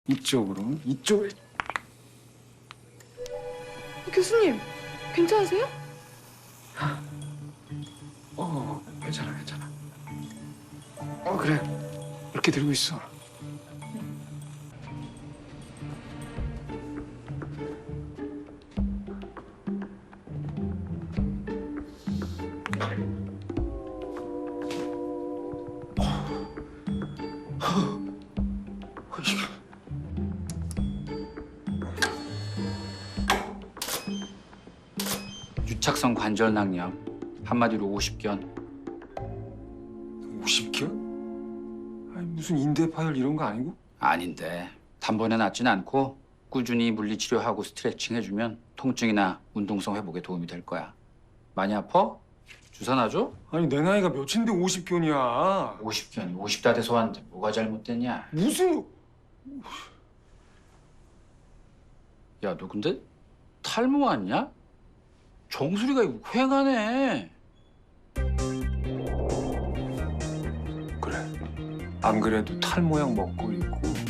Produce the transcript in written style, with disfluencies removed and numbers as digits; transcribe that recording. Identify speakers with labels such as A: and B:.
A: 이쪽으로, 이쪽에.
B: 교수님, 괜찮으세요?
A: 괜찮아, 괜찮아. 그래. 이렇게 들고 있어.
C: 유착성 관절 낭염. 한마디로 50견.
A: 50견? 아니, 무슨 인대 파열 이런 거 아니고?
C: 아닌데 단번에 낫진 않고 꾸준히 물리치료하고 스트레칭 해주면 통증이나 운동성 회복에 도움이 될 거야. 많이 아파? 주사 놔줘?
A: 아니, 내 나이가 몇인데 50견이야.
C: 50견이 50다 돼서 왔는데 뭐가 잘못됐냐?
A: 무슨...
C: 야, 너 근데 탈모 왔냐? 정수리가 이거 휑하네.
A: 그래. 안 그래도 탈모약 먹고 있고